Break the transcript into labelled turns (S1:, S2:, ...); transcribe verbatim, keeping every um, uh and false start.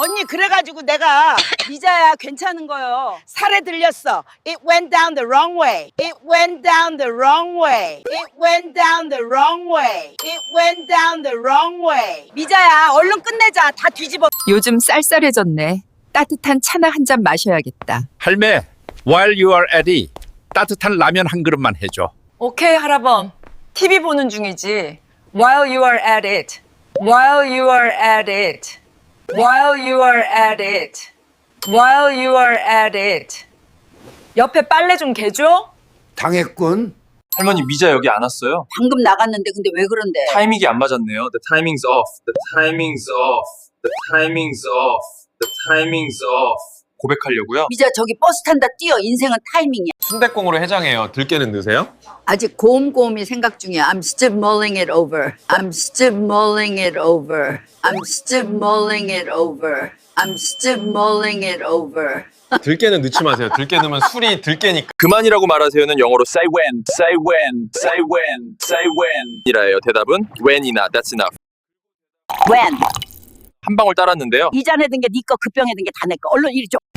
S1: 언니 그래가지고 내가 미자야 괜찮은 거요. 살에 들렸어. It went down the wrong way. It went down the wrong way. It went down the wrong way. It went down the wrong way. 미자야 얼른 끝내자. 다 뒤집어.
S2: 요즘 쌀쌀해졌네. 따뜻한 차나 한 잔 마셔야겠다.
S3: 할매, while you are at it, 따뜻한 라면 한 그릇만 해줘.
S2: 오케이, 할아범. 티비 보는 중이지. While you are at it. While you are at it. While you are at it. While you are at it. 옆에 빨래 좀 개줘?
S4: 당했군.
S5: 할머니 미자 여기 안 왔어요?
S1: 방금 나갔는데 근데 왜 그런데?
S5: 타이밍이 안 맞았네요. The timing's off. The timing's off. The timing's off. The timing's off. 고백하려고요?
S1: 미자 저기 버스 탄다 뛰어. 인생은 타이밍이야.
S5: 순댓국으로 해장해요. 들깨는 넣으세요?
S1: 아직 곰곰이 생각 중이야. I'm still mulling it over. I'm still mulling it over. I'm still mulling it over. I'm still mulling it over.
S5: 들깨는 넣지 마세요. 들깨 넣으면 술이 들깨니까. 그만이라고 말하세요는 영어로 say when, say when, say when, say when 이라예요. 대답은 when이나 that's enough.
S1: When?
S5: 한 방울 따랐는데요.
S1: 이 잔에 든 게 네 거, 그 병에 든 게 다 내 거. 얼른 이리 줘.